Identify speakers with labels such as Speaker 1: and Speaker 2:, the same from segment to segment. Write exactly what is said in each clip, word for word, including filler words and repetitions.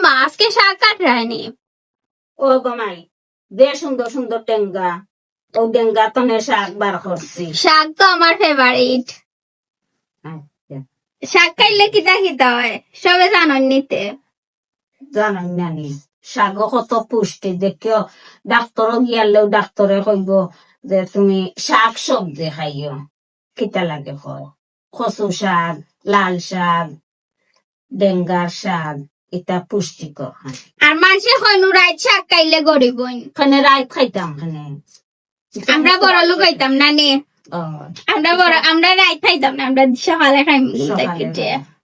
Speaker 1: মা আজকে শাক কাট রায়নি।
Speaker 2: ও গমাই দে সুন্দর সুন্দর টেঙ্গা, ও ডেঙ্গা তনে শাক বার করছি।
Speaker 1: শাক তো আমার ফেভারিট।
Speaker 2: আচ্ছা
Speaker 1: শাক খাইলে কিতা খিতা হয় সবে জানন নিতে।
Speaker 2: জানাই নানি শাক কত পুষ্টি দেখিও, ডাক্তর গিয়ালেও ডাক্তরে কইব যে তুমি শাক সবজি খাইও। কিতা লাগে কয় কচু শাক, লাল শাক, ডেঙ্গার শাক, এটা পুষ্টিকর।
Speaker 1: আর মানুষের হনু রাইত শাক খাইলে গরিব হইন।
Speaker 2: খানে রাত খাইতাম খানে
Speaker 1: আমরা বড় লোক হইতাম না নে।
Speaker 2: ও
Speaker 1: আমরা বড় আমরা রাইত খাইতাম না, আমরা সকালে খাইম।
Speaker 2: সকালে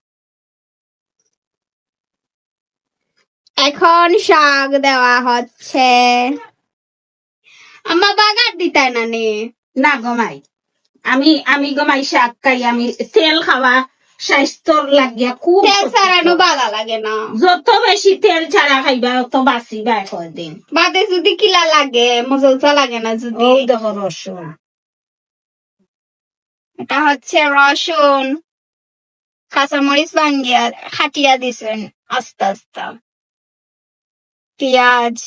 Speaker 1: এখন শাক দেওয়া হচ্ছে। আম্মা বাগার দিতাই না নে।
Speaker 2: না গমাই আমি আমি গমাই শাক খাই, আমি তেল খাওয়া স্বাস্থ্যর লাগিয়া খুব
Speaker 1: তেল ছাড়ানো
Speaker 2: ক্ষতিকর।
Speaker 1: ভালো লাগে না।
Speaker 2: যত বেশি তেল ছাড়া খাইবা অত বাঁচিবা কয়দিন।
Speaker 1: বাদে যদি কিলা লাগে মজলসা লাগে না যদি।
Speaker 2: ও দেখো রসুন,
Speaker 1: এটা হচ্ছে রসুন, কাঁচামরিচ ভাঙ্গিয়া খাটিয়া দিছেন আস্তে আস্তে, পেঁয়াজ।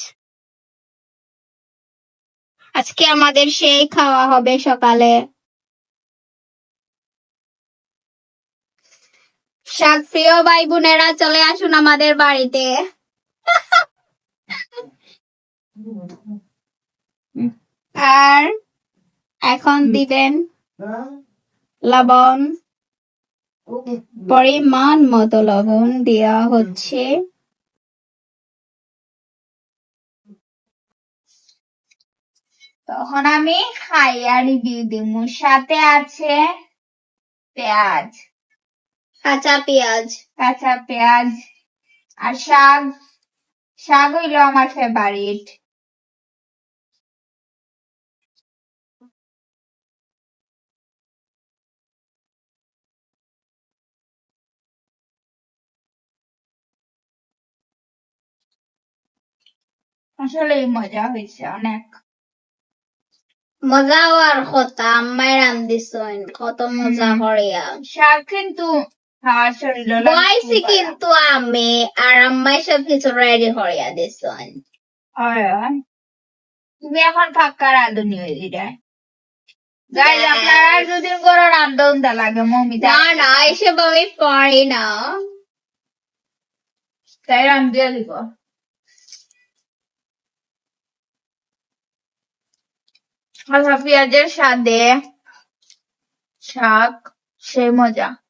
Speaker 1: আজকে আমাদের সেই খাওয়া হবে সকালে। শাক প্রিয় ভাই বোনেরা চলে আসুন আমাদের বাড়িতে। আর এখন দিবেন লবণ, পরিমাণ মতো লবণ দেওয়া হচ্ছে। তখন আমি খাইয়া রিভিউ দিব। সাথে আছে পেঁয়াজ, কাঁচা পেঁয়াজ, কাঁচা পেঁয়াজ আর শাক। শাক হইল আমার ফেভারিট। আসলে মজা হয়েছে অনেক। মজা হওয়ার কথা আম্মাই রান্ধিছেন কত মজা করিয়া। শাক কিন্তু খাওয়ার শরীর বয়সি কিন্তু আমি আর আম্মাই সব কিছু রেডি করিয়া দিছেন। তুমি এখন ফাঁকা রাঁধুনি হয়ে দিলে গাইজ, আপনারা দুদিন করে রান্ধন দা লাগে মমিতা। না না এসব আমি পারি না, তাই রান্ধিয়া দিব। আচ্ছা পেঁয়াজের সাথে শাক সে মজা।